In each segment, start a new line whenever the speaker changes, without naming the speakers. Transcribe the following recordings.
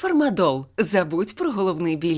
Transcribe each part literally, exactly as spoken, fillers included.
Фармадол. Забудь про головний біль.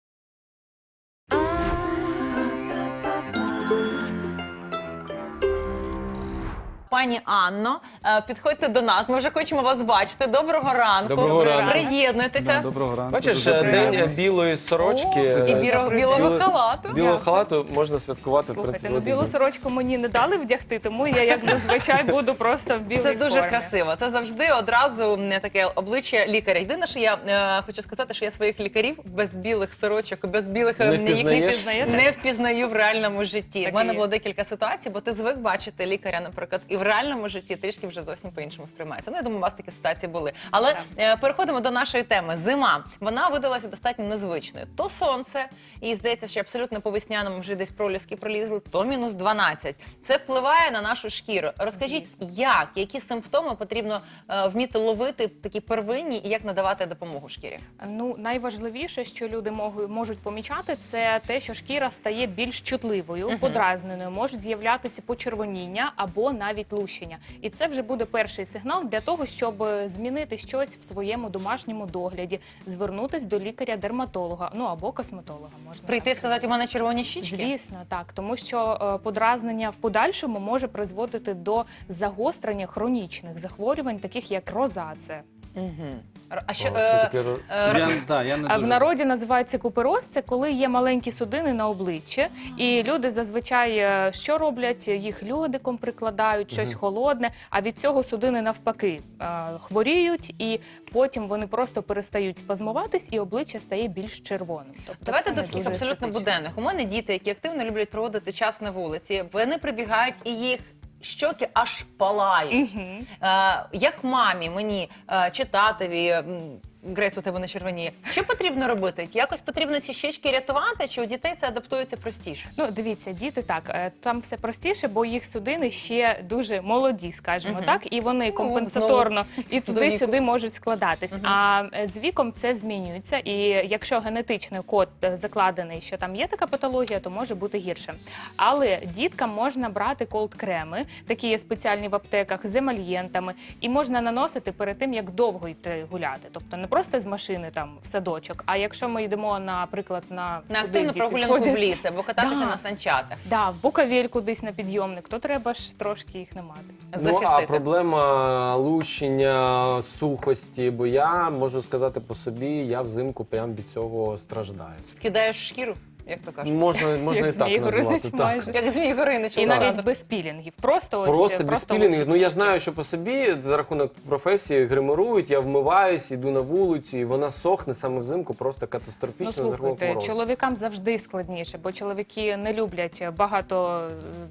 Пані Анно, підходьте до нас, ми вже хочемо вас бачити. Доброго ранку.
Доброго ранку.
Приєднуйтеся.
Да, доброго ранку.
Бачиш,
Дуже
день
приємно.
білої сорочки.
О, і білого, білого халату.
Білого халату можна святкувати, в
Слухайте,
принципі.
ну
один
білу
день.
сорочку мені не дали вдягти, тому я, як зазвичай, буду просто в білій
Це дуже
формі.
красиво. Це завжди одразу не таке обличчя лікаря. Єдине, що я е, хочу сказати, що я своїх лікарів без білих сорочок, без білих
Не
е, їх
впізнаєш?
Впізнаєте?
не впізнаю в реальному житті.
Так
У мене
і є.
було декілька ситуацій, бо ти звик бачити лікаря, наприклад, і в реальному житті трішки вже зовсім по-іншому сприймається. Ну, я думаю, у вас такі ситуації були. Але
Так.
е, переходимо до нашої теми. Зима. Вона видалася достатньо незвичною. То сонце, і здається, що абсолютно по весняному вже десь проліски пролізли, то мінус дванадцять. Це впливає на нашу шкіру. Розкажіть, як, які симптоми потрібно е, вміти ловити, такі первинні, і як надавати допомогу шкірі?
Ну, найважливіше, що люди можуть, можуть помічати, це те, що шкіра стає більш чутливою,
Мгм.
подразненою, можуть з'являтися почервоніння або навіть лущення. І це вже буде перший сигнал для того, щоб змінити щось в своєму домашньому догляді, звернутися до лікаря-дерматолога, ну або косметолога. Можна
Прийти і
так
сказати, у мене червоні щічки?
Звісно, так, тому що е, подразнення в подальшому може призводити до загострення хронічних захворювань, таких як розація.
Угу. А
О,
що,
що
е,
таке ро-
е,
Я, да, я не
А в
дуже...
народі називається купероз, це коли є маленькі судини на обличчі, і люди зазвичай е, що роблять? Їх льодиком прикладають, щось холодне, а від цього судини навпаки е, хворіють, і потім вони просто перестають спазмуватись, і обличчя стає більш червоним. Тобто
Давайте
це
до
не
таких
дуже
абсолютно
естетично.
буденних. У мене діти, які активно люблять проводити час на вулиці. Вони прибігають і їх щоки аж палають.
Мгм.
Е, як мамі, мені е, чи татові, м, Грейс, у тебе не червоніє. Що потрібно робити? Якось потрібно ці щічки рятувати, чи у дітей це адаптується простіше?
Ну, дивіться, діти так, е, там все простіше, бо їх судини ще дуже молоді, скажімо
Мгм.
так, і вони
Ну,
компенсаторно і
до
туди-сюди
віку.
можуть складатись.
Мгм.
А е, з віком це змінюється, і якщо генетичний код е, закладений, що там є така патологія, то може бути гірше. Але діткам можна брати колд-креми, такі є спеціальні в аптеках з емальєнтами, і можна наносити перед тим, як довго йти гуляти. Тобто не просто з машини там в садочок, а якщо ми йдемо, наприклад, на,
На
туди
активну
діти
прогулянку в
ходять.
ліс або кататися
Да.
на санчатах.
Да, в Буковель кудись на підйомник, то треба ж трошки їх намазати.
Ну, а
Захистити.
проблема лущення, сухості, бо я можу сказати по собі, я взимку прям від цього страждаю.
Скидаєш шкіру, як то кажуть.
Можна, можна
Як
і так
Змій Горинич
назвати. Так.
майже.
Як Змій Горинич.
І
Олександр.
навіть без пілінгів. Просто ось
Просто без
просто
пілінгів. Ну я
лущиться
знаю, що по собі за рахунок професії гримирують, я вмиваюсь, йду на вулицю, і вона сохне саме взимку, просто катастрофічно
Ну
за рахунок
слухайте,
морозу.
чоловікам завжди складніше, бо чоловіки не люблять багато.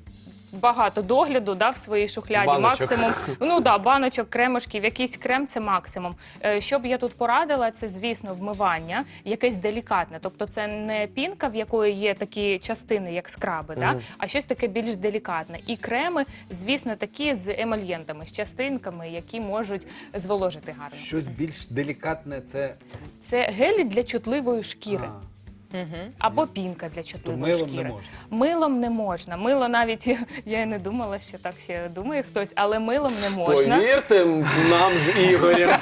Багато догляду, да, в своїй шухляді,
Баночок.
максимум, ну да, баночок, кремушків, якийсь крем це максимум. Е, Що б я тут порадила, це, звісно, вмивання, якесь делікатне. Тобто це не пінка, в якої є такі частини, як скраби, да,
Мгм.
а щось таке більш делікатне. І креми, звісно, такі з емальєнтами, з частинками, які можуть зволожити гарно.
Щось більш делікатне, це...
Це гелі для чутливої шкіри.
А,
Мгм.
Або пінка для
то
чутливої
милом
шкіри.
не можна.
Милом не можна. Мило навіть, я й не думала, що так ще думає хтось, але милом не можна.
Повірте нам з Ігорем.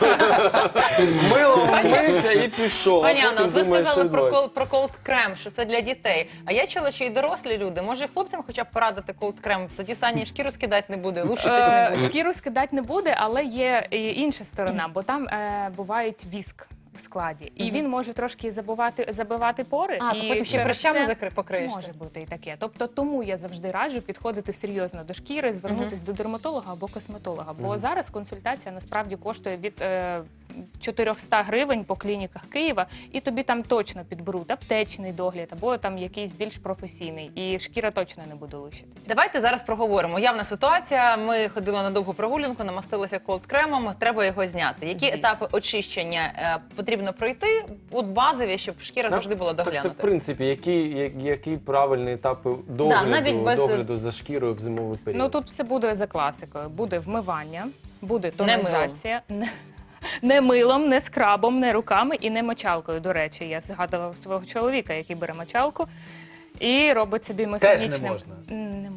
Мило вмився і пішов.
Пані
а
Анна,
потім
от ви
думаєш,
сказали
що
про,
відбувається.
кол, про колд-крем, що це для дітей. А я чула, що і дорослі люди. Може, і хлопцям хоча б порадити колд-крем? Тоді Сані шкіру скидати не буде, лушитись не
Е,
буде.
Шкіру скидати не буде, але є і інша сторона, бо там е, бувають віск в складі. І
Мгм.
він може трошки забивати, забивати пори.
А,
і
то потім ще
через
прищами
це
закри- покриєшся.
Може бути і таке. Тобто тому я завжди раджу підходити серйозно до шкіри, звернутися до дерматолога або косметолога. Бо зараз консультація насправді коштує від е, чотириста гривень по клініках Києва, і тобі там точно підберуть аптечний догляд або там якийсь більш професійний. І шкіра точно не буде лущитися.
Давайте зараз проговоримо. Явна ситуація. Ми ходили на довгу прогулянку, намастилися колд-кремом. Треба його зняти. Які
Звісно.
етапи очищення е, потрібно пройти? От базові, щоб шкіра
Так,
завжди була
Так це, в
доглянута.
принципі, які, я- які правильні етапи догляду,
навіть без-
догляду за шкірою в зимовий період?
Ну тут все буде за класикою. Буде вмивання, буде тонізація. Не, не милом, не скрабом, не руками і не мочалкою. До речі, я згадала свого чоловіка, який бере мочалку і робить собі механічним.
можна?
М, Не можна.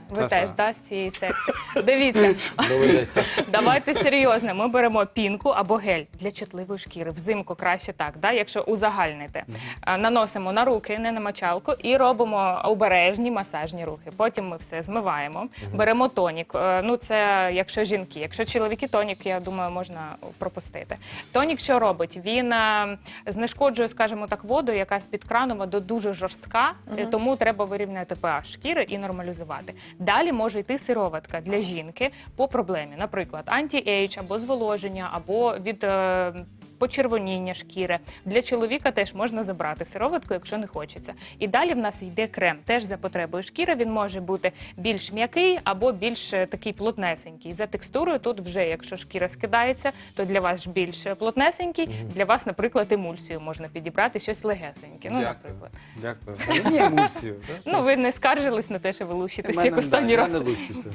Ви
Саша.
теж, да, з цієї секти. Дивіться,
Доведеться.
давайте серйозно. Ми беремо пінку або гель для чутливої шкіри. Взимку краще так, да, якщо узагальнити. А, Наносимо на руки, не на мочалку, і робимо обережні масажні рухи. Потім ми все змиваємо, беремо тонік. Е, Ну, це якщо жінки. Якщо чоловіки, тонік, я думаю, можна пропустити. Тонік що робить? Він е, знешкоджує, скажімо так, воду, яка з-під крану вода дуже жорстка, е, тому треба вирівняти pH шкіри і нормалізувати. Далі може йти сироватка для жінки по проблемі. Наприклад, анті-ейдж або зволоження, або від е, почервоніння шкіри. Для чоловіка теж можна забрати сироватку, якщо не хочеться. І далі в нас йде крем. Теж за потребою шкіри він може бути більш м'який або більш е, такий плотнесенький. За текстурою тут вже, якщо шкіра скидається, то для вас ж більш плотнесенький. Для вас, наприклад, емульсію можна підібрати, щось легесеньке. Ну,
Дякую.
наприклад.
Дякую. Мені емульсію. так?
Ну, ви не скаржились на те, що ви лущитесь,
Мене,
як останній
да,
раз.
я не лущуся.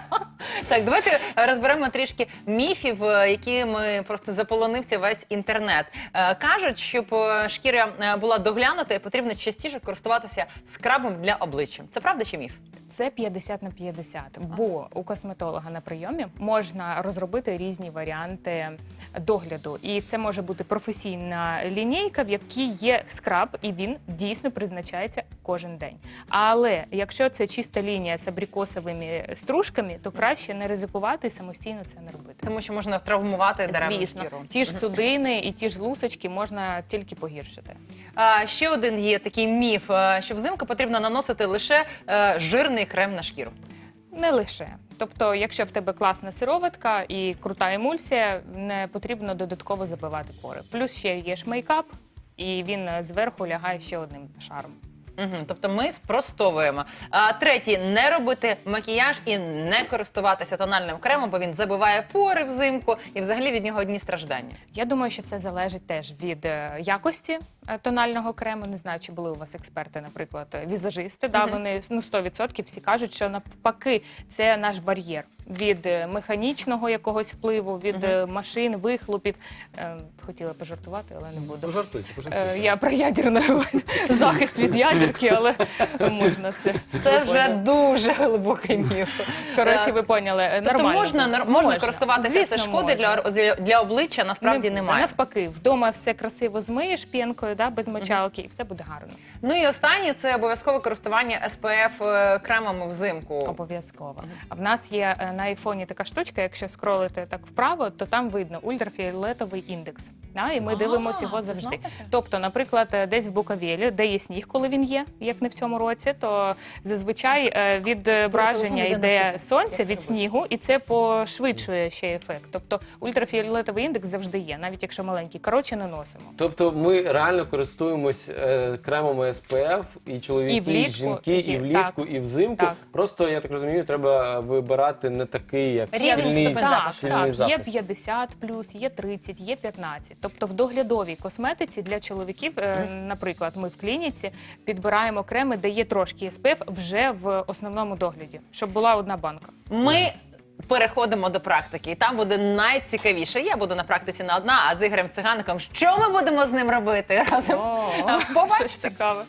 Так, давайте розберемо трішки міфів, е, якими просто заполонився весь інтернет. Е, Кажуть, щоб е, шкіра е, була доглянутою, потрібно частіше користуватися скрабом для обличчя. Це правда чи міф?
Це п'ятдесят на п'ятдесят, бо у косметолога на прийомі можна розробити різні варіанти догляду. І це може бути професійна лінійка, в якій є скраб, і він дійсно призначається кожен день. Але якщо це чиста лінія з абрикосовими стружками, то краще не ризикувати і самостійно це не робити.
Тому що можна травмувати даремну
Звісно,
шкіру.
ті ж судини і ті ж лусочки можна тільки погіршити.
А, ще один є такий міф, е, що взимку потрібно наносити лише е, жирний крем на шкіру.
Не лише. Тобто, якщо в тебе класна сироватка і крута емульсія, не потрібно додатково забивати пори. Плюс ще є ж мейкап, і він зверху лягає ще одним шаром.
Угу, тобто ми спростовуємо. А, третій, не робити макіяж і не користуватися тональним кремом, бо він забиває пори взимку і взагалі від нього одні страждання.
Я думаю, що це залежить теж від е, якості е, тонального крему. Не знаю, чи були у вас експерти, наприклад, е, візажисти. Да, вони ну, сто відсотків всі кажуть, що навпаки це наш бар'єр від е, механічного якогось впливу, від е, машин, вихлопів. Е, Хотіла пожартувати, але не буду.
Пожартуйте, пожартуйте.
Е, Я про ядерну захист від ядерки, але можна це.
Це
Ви
вже
поняли.
дуже глибокий міф.
Коротше, ви поняли.
Тобто
Нормально.
можна,
буде.
нар- можна користуватися,
Звісно,
це шкоди
можна.
для, для, для обличчя насправді
Не-
немає.
Навпаки, вдома все красиво змиєш п'янкою, да, без мочалки, і все буде гарно.
Ну і останнє це обов'язкове користування ес пе еф е, кремами взимку.
Обов'язково. А в нас є е, на айфоні така штучка, якщо скролити так вправо, то там видно ультрафіолетовий індекс. Да, і ми
А,
дивимося його
ви
завжди.
знаєте?
Тобто, наприклад, е, десь в Буковелі, де є сніг, коли він є, як не в цьому році, то зазвичай е, відображення
телефон, іде
йде
навчися,
сонця
як це
від
робити.
снігу, і це пошвидшує ще ефект. Тобто ультрафіолетовий індекс завжди є, навіть якщо маленький. Коротше, не носимо.
Тобто ми реально користуємось е, кремами ес пе еф, і чоловіки,
І
і,
влітку,
жінки,
і-
і влітку,
так.
і взимку.
Так.
Просто, я так розумію, треба вибирати не такий, як
Рівень
щільний,
ступень
Так,
запаху.
щільний
так, є
запах.
п'ятдесят плюс, є тридцять, є п'ятнадцять. Тобто в доглядовій косметиці для чоловіків, е, наприклад, ми в клініці підбираємо креми, де є трошки ес пе еф вже в основному догляді, щоб була одна банка.
Ми переходимо до практики, і там буде найцікавіше. Я буду на практиці на одна, а з Ігорем Цигаником, що ми будемо з ним робити разом?
О,
Побачите.
щось цікаве.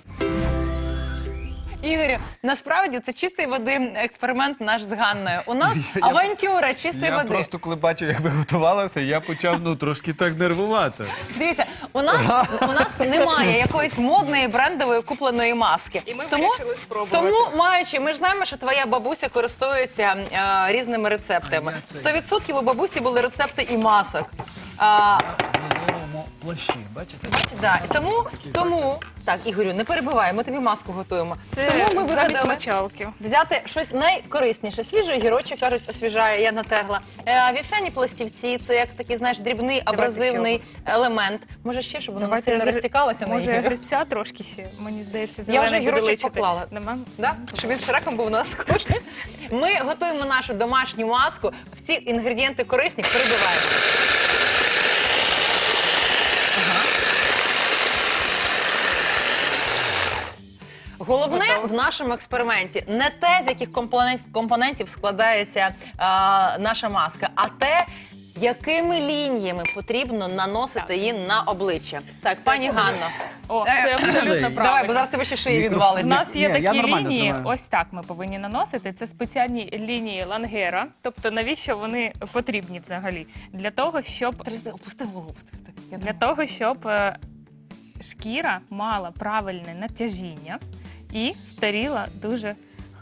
Ігорю, насправді це чистої води експеримент наш з Ганною. У нас
Я- я-
авантюра чистої
Я
води.
просто коли бачив, як ви готувалися, я почав ну трошки так нервувати.
Дивіться, у нас, у нас немає якоїсь модної брендової купленої маски.
І ми
тому,
вирішили спробувати.
тому, маючи, ми ж знаємо, що твоя бабуся користується е, різними рецептами. Сто відсотків у бабусі були рецепти і масок. А,
Новому плащі, бачите?
да, і тому, тому, так, Ігорю, не перебивай, ми тобі маску готуємо.
Це
тому ми
замість
вигадали
мочалки.
взяти щось найкорисніше. Свіжий огірочок, кажуть, освіжає, я натерла. Е, вівсяні пластівці, це як такий, знаєш, дрібний абразивний елемент. Може ще, щоб воно не сильно
гри-
розтікалося на
Може,
Ігорю?
гриця трошки ще, мені здається,
Я
зелений
вже
буде
гірочок
личити.
поклала.
Нема?
Да? Щоб він шреком був на схожий. Ми готуємо нашу домашню маску. Всі інгредієнти корисні, перебиваємо. Ага. Головне в нашому експерименті не те, з яких компонент- компонентів складається е, наша маска, а те, Якими лініями потрібно наносити її на обличчя? Так, пані Ганно.
О,
Е,
це абсолютно
Давай, бо
правильно.
зараз тебе ще шиї
У
відвалить.
нас є
Ні, я
такі
нормально
лінії,
тримаю.
ось так ми повинні наносити. Це спеціальні лінії лангера. Тобто навіщо вони потрібні взагалі? Для того, щоб
Опусти голову, опусти. Я
Для того, щоб е, шкіра мала правильне натяжіння і старіла дуже.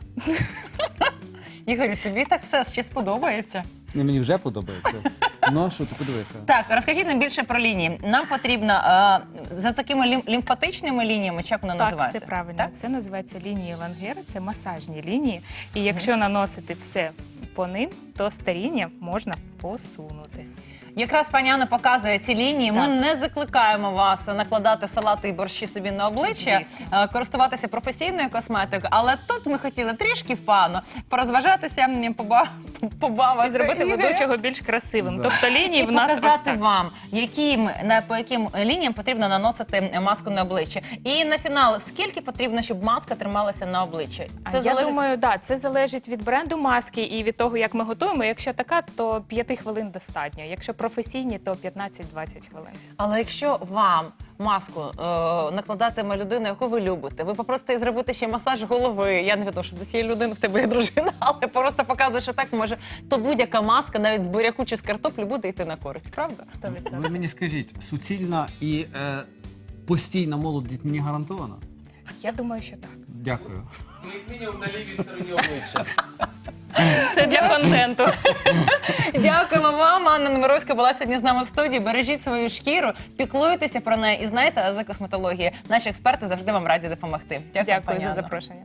Ігорю, тобі так все ще сподобається?
Не, мені вже подобається. Ну, що ти подивися.
Так, розкажіть нам більше про лінії. Нам потрібно е, за такими лім- лімфатичними лініями, чи як воно
Так,
називається?
все правильно.
Так?
Це називається лінії лангера, це масажні лінії. І якщо наносити все по ним, то старіння можна посунути.
Якраз пані Анна показує ці лінії. Ми
Так.
не закликаємо вас накладати салати і борщі собі на обличчя,
Звісно.
е, користуватися професійною косметикою, але тут ми хотіли трішки фану, порозважатися, м, поба... побавити.
І зробити
Ігоря.
ведучого більш красивим.
Да.
Тобто лінії
І
в нас ось
показати
так.
вам, яким, на, по яким лініям потрібно наносити маску на обличчя. І на фінал, скільки потрібно, щоб маска трималася на обличчі?
А я думаю, да, це залежить від бренду маски і від того, як ми готуємо. Якщо така, то п'яти хвилин достатньо. Якщо професійні, то п'ятнадцять-двадцять хвилин.
Але якщо вам маску е, накладатиме людина, яку ви любите, ви попросите їй зробити ще масаж голови. Я не відношу до цієї людини, в тебе є дружина, але просто показує, що так може. То будь-яка маска, навіть з буряку чи з картоплі, буде йти на користь, правда?
сто відсотків.
Ви мені скажіть, суцільна і е, постійна молодість мені гарантована?
Я думаю, що так.
Дякую.
Ну, як мінімум на лівій стороні обличчя.
Це для контенту.
Дякуємо вам. Анна Немировська була сьогодні з нами в студії. Бережіть свою шкіру, піклуйтеся про неї і знаєте, ази косметології. Наші експерти завжди вам раді допомогти. Дякую,
Дякую
пані
за
Анно.
запрошення.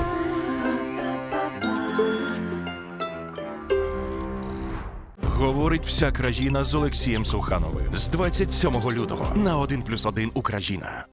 Говорить вся країна з Олексієм Сухановим з двадцять сьомого лютого на один плюс один Україна.